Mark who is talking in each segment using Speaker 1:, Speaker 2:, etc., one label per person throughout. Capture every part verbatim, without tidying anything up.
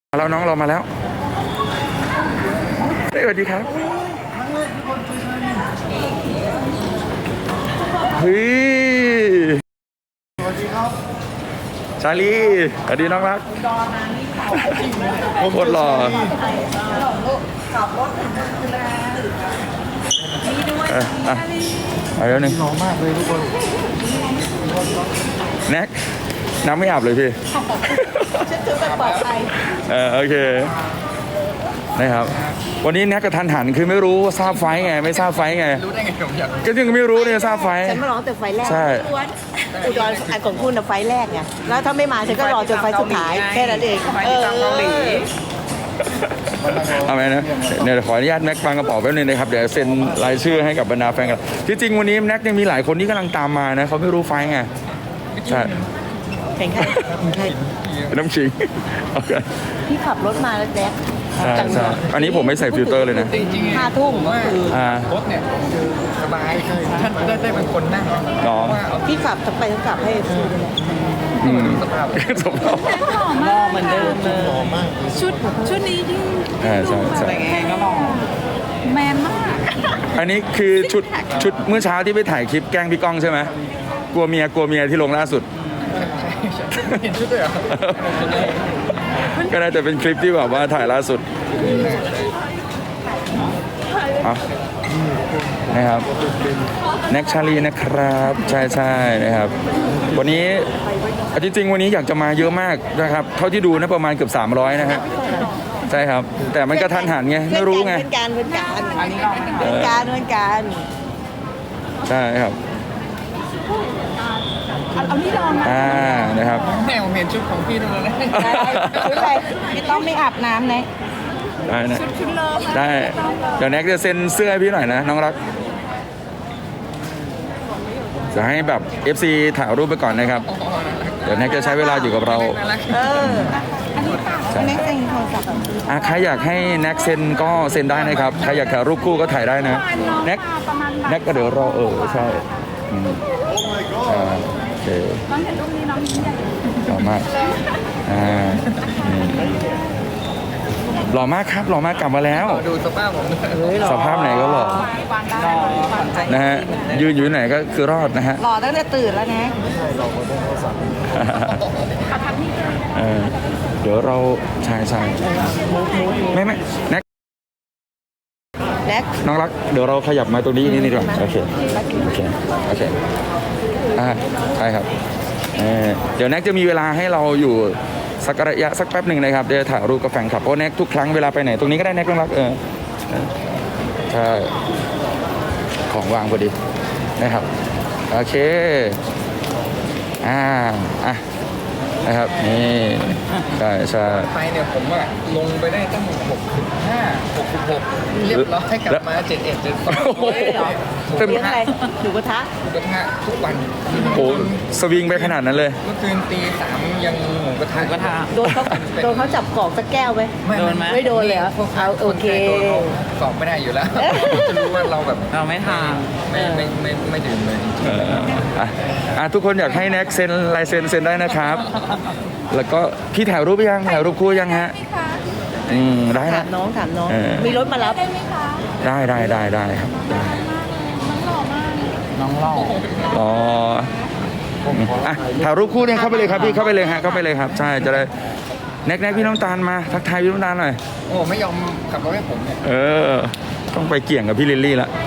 Speaker 1: มาแล้วน้องเรามาแล้วสวัสดีครับเฮ้ยสวัสดีครับชาลีสวัสดีน้องรักโคตรหล่อเอออ่ะเอาแล้วหนึ่งหล่อมากเลยทุกคนแน็กน้ำไม่อาบเลยพี่
Speaker 2: ฉันถือแบบปลอดภัย
Speaker 1: เออโอเคนะครับวันนี้แน็กกระทันหันคือไม่รู้ว่าทราบไฟไงไม่ทราบไฟไงรู้ได้ไงผมอยากก็ยังไม่รู้เนี่ยทราบไฟ
Speaker 2: ฉันมาร้องแต่ไฟแรก
Speaker 1: ใช่
Speaker 2: อุดรอันของคุณน่ะไฟแรกไงแล้วถ้าไม่มาฉันก็รอจนไฟสุดท้ายแค่นั้นเองเออ
Speaker 1: เอาไหมนะเนี่ยขออนุญาตแน็กฟังกระเป๋าแป๊บนึงนะครับเดี๋ยวเซ็นรายชื่อให้กับบรรดาแฟนกันที่จริงวันนี้แน็กยังมีหลายคนที่กำลังตามมานะเขาไม่รู้ไฟไงใช่
Speaker 2: แข่งใครใคร
Speaker 1: น้ำชิงโอเค
Speaker 2: พี่ขับรถมาแล้วแจ๊ค
Speaker 1: ใช่ใช่อันนี้ผมไม่ใส่ฟิลเตอร์เลยนะ
Speaker 2: ห้าทุ่มก็คือ
Speaker 3: รถเนี่ยสบายท่านได้ได้เป็นคนนั่ง
Speaker 1: น้อง
Speaker 2: พี่ขับทั้งไปทั้งกลับให้ฟูเลย
Speaker 1: อืม
Speaker 3: สภาพ
Speaker 1: สภาพ
Speaker 2: รอเหมือนเดิมเลย
Speaker 4: ชุดชุดนี้ยิ่ง
Speaker 1: ใช่ใช่ใช่
Speaker 4: ก็ลองแมนมาก
Speaker 1: อันนี้คือชุดชุดเมื่อเช้าที่ไปถ่ายคลิปแกล้งพี่ก้องใช่ไหมกลัวเมียกลัวเมียที่ลงล่าสุด
Speaker 3: เห็นชุดเลยเหรอ
Speaker 1: ก็น่าจะเป็นคลิปที่แบบว่าถ่ายล่าสุดอ่ะนะครับแน็กชาลีนะครับใช่ใช่นะครับวันนี้จริงๆวันนี้อยากจะมาเยอะมากนะครับเท่าที่ดูนะประมาณเกือบสามร้อยนะฮะใช่ครับแต่มันก็ทันหันไงไม่รู้ไง
Speaker 2: เป็นการเป็นการเป็นการเป็นการ
Speaker 1: ใช่ครับ
Speaker 4: เอาที่ลองนะ
Speaker 1: อ่านะครับ
Speaker 3: แนวเห็นชุดของพี่ตรงนั้น
Speaker 2: ชุดอะไรไม่ต้องไม่อาบน้ำนะ
Speaker 1: ได้นะ
Speaker 4: ชุดชุดเลิฟ
Speaker 1: ได้เดี๋ยวแน็กจะเซ็นเสื้อให้พี่หน่อยนะน้องรักจะให้แบบ เอฟ ซี ถ่ายรูปไปก่อนนะครับเดี๋ยวแน็กจะใช้เวลาอยู่กับเรา
Speaker 2: เออแน็กเซ็นโทรศัพท์
Speaker 1: อ่ะใครอยากให้แน็กเซ็นก็เซ็นได้นะครับใครอยากถ่ายรูปคู่ก็ถ่ายได้นะแน็กแน็กก็เดี๋ยวรอเออใช่อ่าโอเค
Speaker 4: น้องเห็นรูปนี้น้องยิ้มใหญ่
Speaker 1: หล่อมากอ่าหล่อมากครับหล่อมากกลับมาแล้ว
Speaker 3: ดูสภาพผม
Speaker 1: สภาพไหนก็หล่อนะฮะยืนอยู่ไหนก็คือรอดนะฮะ
Speaker 2: หล่อตั้งแต่ตื่นแล้วนะ
Speaker 1: เดี๋ยวเราชายชายไม่ไม่แน็ก
Speaker 2: แน็ก
Speaker 1: น้องรักเดี๋ยวเราขยับมาตรงนี้นิดนึงก่อนโอเคโอเคโอเคอ่าใช่ครับเดี๋ยวแน็กจะมีเวลาให้เราอยู่สักระยะสักแป๊บหนึ่งนะครับเดี๋ยวถ่ายรูปกับแฟนคลับเพราะแน็กทุกครั้งเวลาไปไหนตรงนี้ก็ได้แน็กน้องรักเออใช่ของวางพอดีนะครับโอเคอ่าอ่ะนะครับนี่ใช่ใช่
Speaker 3: ไปเนี่ยผมว่าลงไปได้ตั้งหกสิบห้าหกสิบหกเรียบร้อยกลับมาเจ็ดเอ็ดเจ็ดสอง
Speaker 2: เต็มอะไรหมูกระทะ
Speaker 3: หมูกระทะทุกวัน
Speaker 1: โอ้สวิงไปขนาดนั้นเลย
Speaker 3: เมื่อคืนตีสามยังหมูกระทะ
Speaker 2: กระทะโดนเขาโดนเขาจับกอกสักแก้วไหม
Speaker 3: โดนไหม
Speaker 2: ไม่โดนเลยเอาโอเค
Speaker 3: กอกไม่ได้อยู่แล้วจะรู้ว่าเราแบบ
Speaker 4: เราไม่ทาน
Speaker 3: ไม่ไม่ไม่ไม่ดื่มเลย
Speaker 1: อ่ะทุกคนอยากให้แน็กเซ็นลายเซ็นเซ็นได้นะครับแล้วก็พี่ถ่ายรูปยังถ่ายรูปคู่ยังฮะอืมได้นะ
Speaker 2: ถามน้องถามน้องมีรถมารับ
Speaker 4: ได้ไหมคะ
Speaker 1: ได้ได้ได้ได้ครับ
Speaker 3: น้องหล่อ
Speaker 1: อ๋ออ่ะถ่ายรูปคู่เนี่ยเข้าไปเลยครับพี่เข้าไปเลยฮะเข้าไปเลยครับใช่จะได้แน็กแน็กพี่น้ำตาลมาทักทายพี่น้ำตาลหน่อย
Speaker 3: โอ้ไม่ยอมขับรถให้ผมเนี่ย
Speaker 1: เออต้องไปเกี่ยงกับพี่ลิลลี่ละ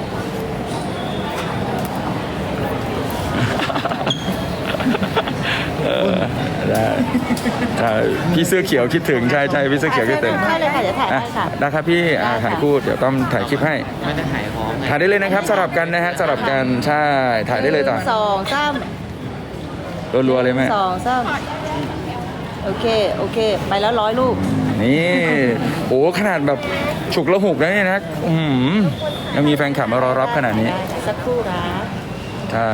Speaker 1: ได้ใช่พี่เสื้อเขียวคิดถึงใช่ใช่พี่เสื้อเขียวคิดถึง
Speaker 2: ใช่เลยค่ะเดี๋ยวถ่ายให้ค่ะ
Speaker 1: ได้ครับพี่ถ่ายคู่เดี๋ยวต้องถ่ายคลิปให้
Speaker 3: ไม่ได้ถ่ายพร้อม
Speaker 1: ถ่ายได้เลยนะครับสลับกันนะฮะสลับกันใช่ถ่ายได้เลยต่อ
Speaker 2: สองสาม
Speaker 1: รัวๆเลยไหม
Speaker 2: สองสามโอเคโอเคไปแล้วร้อยลูก
Speaker 1: นี่โอ้ขนาดแบบฉุกละหุกแล้วเนี่ยนะอืมยังมีแฟนคลับมารอรับขนาดนี้
Speaker 2: สักครู่นะ
Speaker 1: ใช่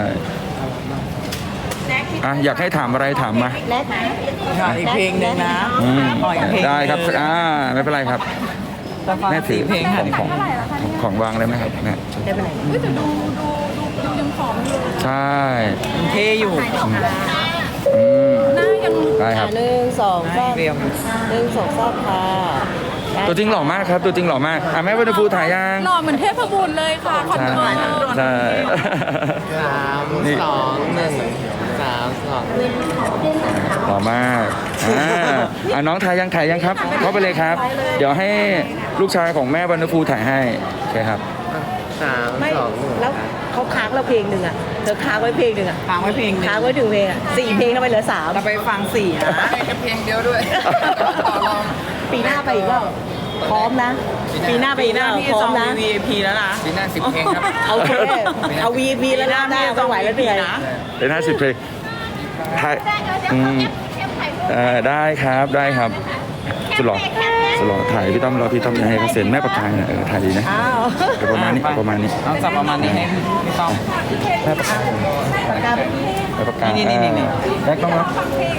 Speaker 1: อ่ะอยากให้ถามอะไรถามมา
Speaker 2: แน็ก
Speaker 4: อีกเพลงนึงนะ
Speaker 1: ได้ครับอ่าไม่เป็นไรครับแม่ถือของของของวางเลยไหมครับแม่
Speaker 2: ได้ไปไหน
Speaker 4: จะดูดูดูยังผอมอยู่
Speaker 1: ใช่
Speaker 4: เท่อยู่
Speaker 1: อืม
Speaker 4: หน้ายัง
Speaker 1: ได้ครับ
Speaker 2: อ่ะหนึ่งสองสาม
Speaker 4: เรียม
Speaker 2: หนึ่งสองสามค่ะ
Speaker 1: ตัวจริงหล่อมากครับ ตัวจริงหล่อมากอ่ะแม่วันฟูถ่ายยัง
Speaker 4: หล่อเหมือนเทพบุตรเลยค่ะคอน
Speaker 1: ใช่
Speaker 4: เฟิร์ม
Speaker 1: ใช่
Speaker 3: สามสองหนึ่งสามสอง
Speaker 1: หล่อมากอ่าอ่ะน้องถ่ายยังถ่ายยังครับเข้าไปเลยครับ เดี๋ยวให้ลูกชายของแม่วันฟูถ่ายให้โอเคครับ
Speaker 3: สาม
Speaker 2: ไม่
Speaker 3: สองหนึ่ง
Speaker 2: แล้วเขาค้างเราเพลงหนึ่งอ่ะเธอค้างไว้เพลงหนึ่งอ่ะ
Speaker 4: ฟังไว้เพลงหนึง
Speaker 2: ค้างไว้ถึงเพลงอ่ะสี่เพลงทำไมเหลือสาม
Speaker 4: เราไปฟังสี่นะ
Speaker 3: ให้แค่เพลงเดียวด้วยต่อรอง
Speaker 2: ปีหน้าไปอีกเปล่าพร้อมนะ ปีหน้าไป
Speaker 4: ปี
Speaker 2: อีก
Speaker 4: ห
Speaker 2: เป
Speaker 4: น้า
Speaker 2: ล่า
Speaker 4: พี่
Speaker 2: พร้อ
Speaker 4: จ
Speaker 2: ม
Speaker 4: อง
Speaker 2: นะ
Speaker 4: วี ไอ พี แล้วนะ
Speaker 3: ปีหน้าสิบเพลงครับ
Speaker 2: เอาเคเอา วี พี แล้วนะได้ไม่ไหวแล้วเหนื่อย
Speaker 4: นะ
Speaker 1: เป็นห้าสิบเพลงถ่ายอืมเอ่อได้ครับได้ครับสุดหล่อสุดหล่อถ่ายพี่ต้อมรอพี่ต้อมให้เขาเซ็นแม่ปากกาเนี่ยเออถ่ายดีนะ
Speaker 2: อ้าว
Speaker 1: เอาประมาณนี้เอาประมาณนี้
Speaker 4: เอาสับประมาณนี้ให้พี่ต้อง
Speaker 1: แม่ปากกา
Speaker 2: ปากกา
Speaker 1: แม่ปากกา
Speaker 4: นี่นี่นี่นี่
Speaker 1: แม่ต้องรับ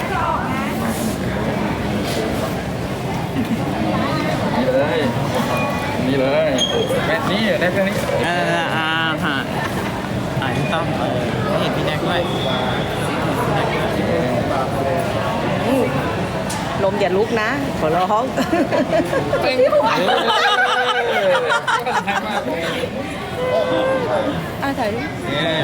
Speaker 1: นี่เลยนี่เลยแม่นี่ได้แค่นี้
Speaker 4: เอออ่าฮะอ่าพี่ต้องเออให้เห็นพี่แน็กด้วย
Speaker 2: ลมอย่าลุกนะขอร้อง
Speaker 3: เพลงที่ผมอ่านมากเลย
Speaker 2: อ่ะถ่ายรูป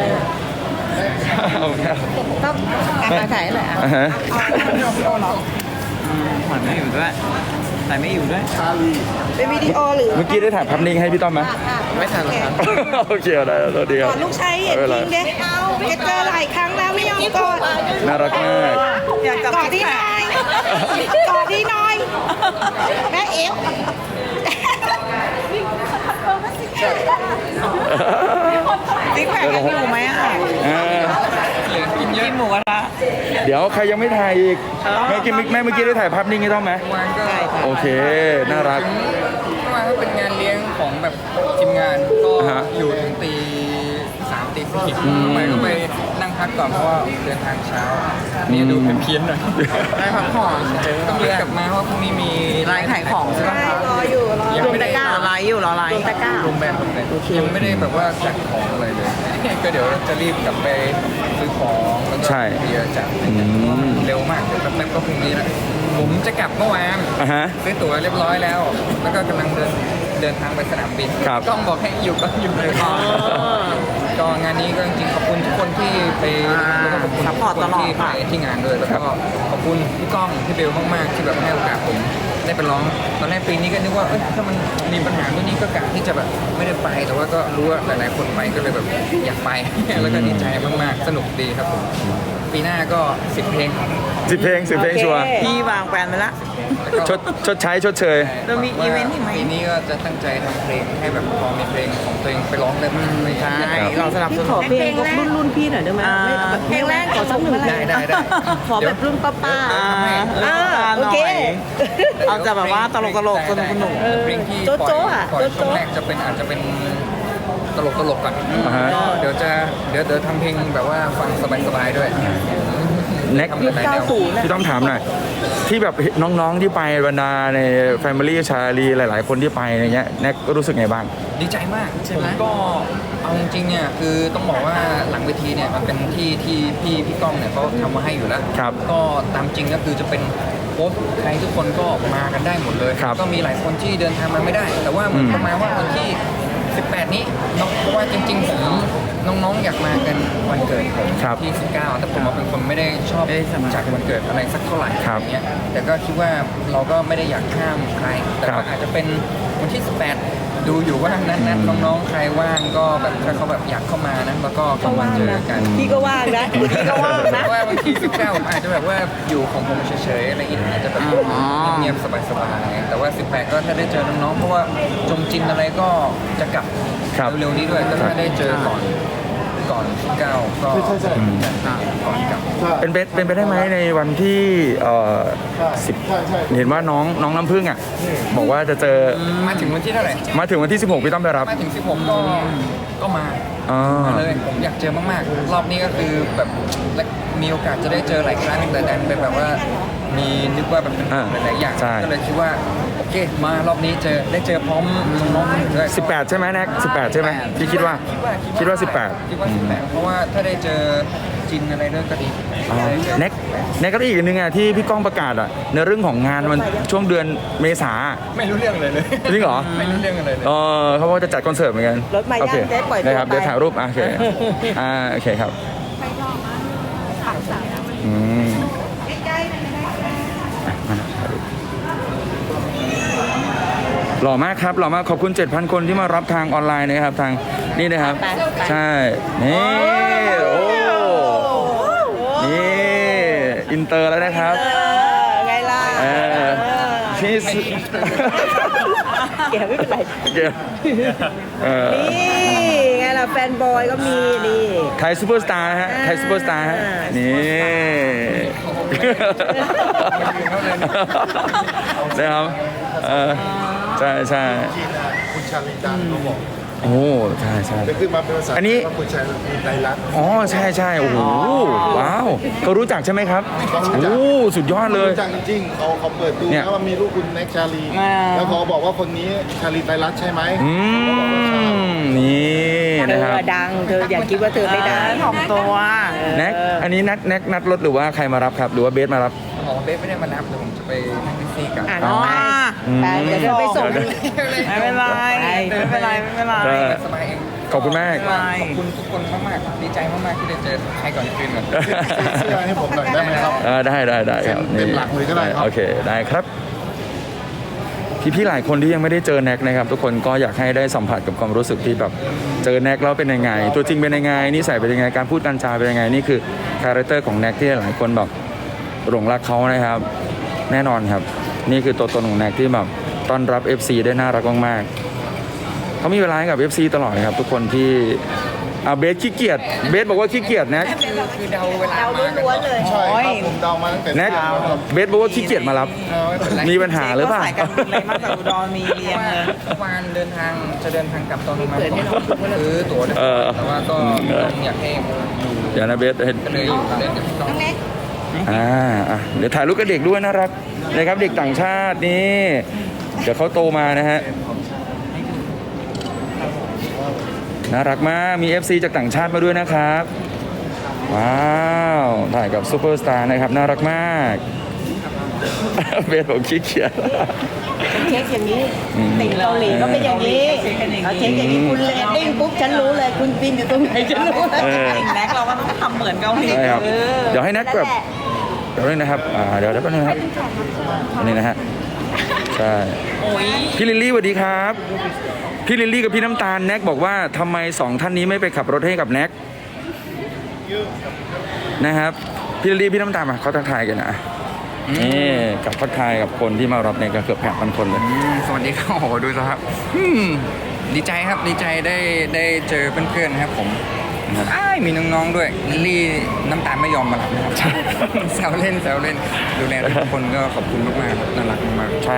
Speaker 1: เอาแค่
Speaker 2: ต้องอ่ะถ่ายหน่อยอ่ะ
Speaker 1: อ่าฮะ
Speaker 4: อืมขวัญไม่อยู่ด้วยแต่ไม่อยู่ด้วย
Speaker 2: เป็นวิดีโอหรือ
Speaker 1: เมื่อกี้ได้ถ่ายภาพนิ่งให้พี่ต้อมไหม
Speaker 3: ไม่ทันแล้วครับ
Speaker 1: โอเคได้แล้วสวัสดีครับ
Speaker 2: ก่อนลูกชายเห็นจริงเด็กเอาแกเจอหลายครั้งแล้วไม่ยอมกอด
Speaker 1: น่ารักมาก
Speaker 4: อยากกลับ
Speaker 2: กอดที่น้อยกอดที่น้อยแม่เอฟ
Speaker 4: ซิกแพคยังอยู่ไหมอ่ะ
Speaker 1: อ่า
Speaker 4: กินเยอะกินหมูกระทะ
Speaker 1: เดี๋ยวใครยังไม่ถ่ายอีกแม่กินแม่เมื่อกี้ได้ถ่ายภาพนิ่งให้ต้อมไหม
Speaker 3: วันก็
Speaker 1: โอเค น่ารัก
Speaker 3: ถึงเมื่อวานก็เป็นงานเลี้ยงของแบบทีมงานก็
Speaker 1: อ่าฮะ
Speaker 3: อยู่ถึงตีสามตีสี่
Speaker 1: อืม
Speaker 3: ไปก็ไปนั่งพักก่อนเพราะว่าเดินทางเช้านี่ดูเพี้ยนๆหน่อย
Speaker 4: ได้พักผ่อน
Speaker 3: ต้องรีบกลับมาเพราะพรุ่งนี้มี
Speaker 4: ไลน์ขายของใช่ไหมคะ
Speaker 2: รออยู่รอ
Speaker 3: ยัง
Speaker 2: รวม
Speaker 3: ไม่ได้
Speaker 2: ตะกร้าร
Speaker 4: อไลน์อยู่รอไลน์
Speaker 2: รวมตะกร้า
Speaker 3: รวมแบรนด์รวมแบรนด์ยังไม่ได้แบบว่าจัดของอะไรเลย ก็เดี๋ยวจะรีบกลับไปซื้อของแล้วก็
Speaker 1: ใช่
Speaker 3: เบียร์จัด
Speaker 1: อืม
Speaker 3: เร็วมากเดี๋ยวแป๊บๆก็พรุ่งนี้แล้วผมจะกลับเมื่อวาน
Speaker 1: อ่าฮะ
Speaker 3: ซื้อตั๋วเรียบร้อยแล้ว แล้วก็กำลังเดินเดินทางไปสนามบิน
Speaker 1: ครับ
Speaker 3: ต้องบอกให้อยู่ก็อยู่เลยก็งานนี้ก็จริงๆขอบคุณทุกคนที่ไปแล้วก็ขอบคุณ
Speaker 4: ซัพพอร์ตตลอด
Speaker 3: ที่ไป
Speaker 4: ค่ะ
Speaker 3: ที่งานด้วยแล้วก็ขอบคุณพี่ก้องพี่เบลมากๆที่แบบให้โอกาสผมได้ไปร้องตอนแรกปีนี้ก็นึกว่าเอ้ยถ้ามันมีปัญหาเรื่องนี้ก็กะที่จะแบบไม่ได้ไปแต่ว่าก็รู้ว่าหลายๆคนไปก็เลยแบบอยากไป แล้วก็ดีใจมากๆสนุกดีครับผมปีหน้าก็สิบเพลง
Speaker 1: สิบเพลงสิบเพลงชัวร์
Speaker 4: พี่วางแผนไปละ
Speaker 1: ชดชดใช้ชดเชย
Speaker 4: เรามีอีเวนต์อีกไหม
Speaker 3: ปีนี้ก็จะตั้งใจทำเพลงให้แบบพอมีเพลงของตัวเองไปร้องได้บ้างอะไรอย่าง
Speaker 4: ใช่
Speaker 3: เงี้ย
Speaker 4: เราสนับส
Speaker 2: พี่
Speaker 4: นุ
Speaker 2: ขอน เพลงรุ่นรุ่นพี่หน่อยได้ไหม
Speaker 4: อ่า
Speaker 2: ไม่แบบเพลงแรกขอสักหนึ่ง
Speaker 3: ได้ได้ได้
Speaker 2: ขอแบบรุ่นป้าป้า
Speaker 4: อ่า
Speaker 2: อ่า
Speaker 4: ห
Speaker 2: โอ
Speaker 4: น่อ
Speaker 2: เค
Speaker 4: ยเอาจะแบบว่าตลกตลกสนุกสนุก
Speaker 2: เออ
Speaker 3: เพลงที่
Speaker 2: โจ๊ะ
Speaker 3: ปล่อย
Speaker 2: โจ๊ะอะ
Speaker 3: ปล่อย
Speaker 2: โจ๊ะ
Speaker 3: ช่วง
Speaker 2: โจ๊ะ
Speaker 3: แรกจะเป็นอาจจะเป็นตลกตลกๆก่อน
Speaker 1: อ่าฮะ
Speaker 3: เดี๋ยวจะเดี๋ยวเดี๋ยวทำเพลงแบบว่าฟังสบายๆด้วย
Speaker 1: แน็ก
Speaker 3: ทำหลายๆแนว
Speaker 1: พี่ต้องถามหน่อย ที่แบบน้องๆที่ไปบรรดาใน Family ชาลีหลาย ๆ คนที่ไปอะไรเงี้ยแน็กก็รู้สึกไงบ้าง
Speaker 3: ดีใจมาก
Speaker 4: ใช่ไหม
Speaker 3: ผมก็เอาจริงๆเนี่ยคือต้องบอกว่าหลังเวทีเนี่ยมันเป็นที่ที่พี่พี่ก้องเนี่ยเขาทำมาให้อยู่แล้ว
Speaker 1: ครับ
Speaker 3: ก็ตามจริงก็คือจะเป็นโค้ชใครทุกคนก็มากันได้หมดเลย
Speaker 1: ครับ
Speaker 3: ก็มีหลายคนที่เดินทางมาไม่ได้ แต่ว่าเหมือน
Speaker 1: อืม
Speaker 3: ประมาณว่าวันที่ สิบแปด นี้เนาะเพราะว่าจริงๆผมน้องๆอยากมากันวันเกิดผม
Speaker 1: ครับ
Speaker 3: ที่สิบเก้าแต่ผมอะเป็นคนไม่ได้ชอบ
Speaker 4: ไม่ได้สมัคร
Speaker 3: จัดวันเกิดอะไรสักเท่าไหร่
Speaker 1: ครับ
Speaker 3: อย่างเงี้ยแต่ก็คิดว่าเราก็ไม่ได้อยากห้ามใคร แต่
Speaker 1: ครั
Speaker 3: ว่า
Speaker 1: บ
Speaker 3: อาจจะเป็นวันที่สิบแปดดูอยู่ว่านั้นนั้นน้องๆใครว่างก็แบบถ้าเขาแบบอยากเข้ามานะแล้วก็เข้ามาเจอกัน
Speaker 2: พี่ก็ว่างนะพี่ก็ว่างนะ
Speaker 3: เพราะว่าบางทีสิบเก้าผมอาจจะแบบว่าอยู่ของผมเฉยๆอะไรอย่างเงี้ยอาจจะแบบ
Speaker 4: อ๋อ
Speaker 3: เงียบๆสบายๆแต่ว่าสิบแปดก็ถ้าได้เจอน้องๆเพราะว่าจงจินอะไรก็จะกลับ
Speaker 1: ครับ
Speaker 3: เร็วๆนี้ด้วยก็ถ้าได้เจอก่อนก่อนสิบเก้าก็ก่อนกลับ
Speaker 1: เป็นไปเป็นไปได้ไหมในวันที่เอ่อสิบเห็นว่าน้องน้องน้ำพึ่งอ่ะ บอกว่าจะเจอ
Speaker 3: มาถึงวันที่เท่าไหร่
Speaker 1: มาถึงวันที่สิบหกพี่ต้องไปรับ
Speaker 3: มาถึงสิบหกก็ก็มา
Speaker 1: อ๋อ
Speaker 3: มาเลยผมอยากเจอมากๆ รอบนี้ก็คือแบบและมีโอกาสจะได้เจอหลายครั้งแต่ดันเป็นแบบว่ามีนึกว่าแบบเป็น
Speaker 1: อ่า
Speaker 3: หลายๆอย่าง
Speaker 1: ใช่
Speaker 3: ก็เลยคิดว่าโอเคมารอบนี้เจอได้เจอพร้อมน้องๆด้วย
Speaker 1: สิบแปดใช่ไหมแน็กสิบแปดใช่ไหมพี่คิดว่า
Speaker 3: คิดว่า
Speaker 1: คิดว่าสิบแปด
Speaker 3: คิดว่าสิบแปดเพราะว่าถ้าได้เจอจจินอะไรด้วยก็ดี
Speaker 1: อ่าแน็กแน็กก็ได้อีกอันหนึงอ่ะที่พี่ก้องประกาศอ่ะในเรื่องของงานมันช่วงเดือนเมษา
Speaker 3: ไม่รู้เรื่องเลยเลย
Speaker 1: จริงเหรอ
Speaker 3: ไม่รู้เรื่องอะไรเลย
Speaker 1: เออเขาบอกว่าจะจัดคอนเสิร์ตเหมือนกัน
Speaker 2: รถมา
Speaker 1: โอ
Speaker 2: ยั
Speaker 1: เค
Speaker 2: งได้ปล่อยตัว
Speaker 1: นะครับ
Speaker 2: ไป
Speaker 1: เดี๋ยวถ่ายรูปอ่ะโอเคอ่าโอเคครับอืมหล่อมากครับหล่อมากขอบคุณ เจ็ดพัน คนที่มารับทางออนไลน์นะครับทางนี่นะครับ ใช่นี่โอ้นี่อินเตอร์แล้วนะครับ
Speaker 2: เออไงล่ะ
Speaker 1: เออที่สุด
Speaker 2: แกไม่เป็นไร
Speaker 1: เดี๋ยวเออ
Speaker 2: นี่ไงล่ะแฟนบอยก็มีนี่
Speaker 1: ไทยซูเปอร์สตาร์ฮะไทยซูเปอร์สตาร์ฮะนี่นะครับเออใช่ใช่
Speaker 5: คุณชาลีดังเขาบอก
Speaker 1: โอ้ใช่ใช่
Speaker 5: จะขึ้นมาเป็นภาษา
Speaker 1: อันนี้
Speaker 5: ว่าคุณชาลีไตรลักษณ์
Speaker 1: อ๋อใช่ใช่โอ้โหว้าวเขารู้จักใช่ไหมครับโอ้สุดยอดเลย
Speaker 5: รู้จักจริงๆเขาเขาเปิดดู
Speaker 1: เนี่ย
Speaker 5: นะว่ามีลูกคุณแน็กชาลี แล้วเขาบอกว่าคนนี้ชาลีไตรลักษณ์ใช่ไหม
Speaker 1: อืมนี่
Speaker 2: เธ
Speaker 1: นะครับ
Speaker 2: อดังเธออย่าคิดว่าเธอไม่ดัง
Speaker 4: ถ่อมตัว
Speaker 1: แน็กอันนี้นัดแน็กนัดรถหรือว่าใครมารับครับ หรือว่าเบสมารับ
Speaker 3: หมอเบสไม่ได้มารับเดี๋ยวผมจะไปนั่งแท็กซี่กลับ
Speaker 2: อ่ะ
Speaker 1: อ๋
Speaker 2: น้
Speaker 1: อ
Speaker 2: องไปไปเดี๋ยวเธอไปส่ง
Speaker 1: เดี๋ยว
Speaker 4: ไม่เป็นไรไม่เป็นไรไม่เป็นไร
Speaker 1: ก็
Speaker 3: สบายเอง
Speaker 1: ขอบคุณมาก
Speaker 4: ไม่
Speaker 3: ขอบคุณทุกคนมากๆดีใจมากๆที่ได้เจอใครก่อนคืนก่อน
Speaker 5: เสื้อให้ผมหน่อยได้ไหมครับ
Speaker 1: เออได้ได้ได้ครับ
Speaker 5: เป็นหลักเลยก็ได้ครับ
Speaker 1: โอเคได้ครับ พี่ๆหลายคนที่ยังไม่ได้เจอแน็กนะครับ ทุกคนก็อยากให้ได้สัมผัสกับความรู้สึกที่แบบเจอแน็กแล้วเป็นยังไง ตัวจริงเป็นยังไงนิสัยเป็นยังไงการพูดการจาเป็นยังไงนี่คือคาแรคเตอร์ของแน็กที่หลายคนแบบหลงรักเขานะครับ แน่นอนครับ นี่คือตัวตนของแน็กที่แบบต้อนรับ เอฟ ซี ได้น่ารักมากๆเขามีเวลาให้กับ เอฟ ซี ตลอดครับ ทุกคนที่อ่าเบสขี้เกียจเบสบอกว่าขี้เกียจแน็ก
Speaker 3: คือเดาเวลา
Speaker 2: เรา
Speaker 3: มากัน
Speaker 2: ล้วนๆเลย
Speaker 5: ใช่ครับผมเดามาตั้งแต่
Speaker 1: แน็ก
Speaker 5: เช้าครับ
Speaker 1: เบสบอกว่าขี้เกียจมารับ
Speaker 3: เออไม่เป็นไร
Speaker 1: มีปัญหาหรือเปล่า
Speaker 4: สายการบินอะไรมาจากอุดรมีเรียงเลย
Speaker 3: เมื่อวานเดินทางจะเดินทางกลับตอนประมาณสองทุ่มซื้อตั๋วได้
Speaker 1: เออ
Speaker 3: แต่ว่าก็อยากให้อยู่
Speaker 1: เดี๋ยวนะเบสเห็น
Speaker 3: ก็เลยอยู่เล่นกับพี่ก้อง
Speaker 1: อ่าอ่ะเดี๋ยวถ่ายรูปกับเด็กด้วยน่ารักนะครับเด็กต่างชาตินี่เดี๋ยวเขาโตมานะฮะน่ารักมากมี เอฟ ซี จากต่างชาติมาด้วยนะครับว้าวถ่ายกับซูเปอร์สตาร์นะครับน่ารักมาก เบสบอกขี้เกียจ
Speaker 2: เช็คอย่างนี้
Speaker 1: อืม
Speaker 2: ติดเกาหลีก็เป็นอย่างนี้เอาเช็คอย่างนี้คุณเลตติ้งปุ๊บฉันรู้เลยคุณบินอยู่ตรงไหนฉันรู้เลย
Speaker 1: เออ
Speaker 4: แน็กเราก็ต้องทำเหมือนเกาหลี
Speaker 1: ใช่ครับ
Speaker 4: เออ
Speaker 1: เดี๋ยวให้แน็กแบบเดี๋ยวนี้นะครับอ่าเดี๋ยวเดี๋ยวแป๊บนึงนะครับอันนี้นะฮะใช่
Speaker 4: โอ้ย
Speaker 1: พี่ลิลลี่สวัสดีครับ พี่ลิลลี่กับพี่น้ำตาลแน็กบอกว่าทำไมสองท่านนี้ไม่ไปขับรถให้กับแน็กนะครับพี่ลิลลี่พี่น้ำตาลมาเขาทักทายกันนะนี่กับทักทายกับคนที่มารับเนี่ยก็เกือบแปดพันคนเลย
Speaker 3: อืมสวัสดีครับโอ้โหดูสิครับอืมดีใจครับดีใจได้ได้เจอเพื่อนๆนะครับผมอ้ายมีน้องๆด้วยลิลลี่น้ำตาลไม่ยอมมารับนะครับ แซวเล่นแซวเล่นดูแลทุกคนก็ขอบคุณมากๆครับน่ารักมากๆ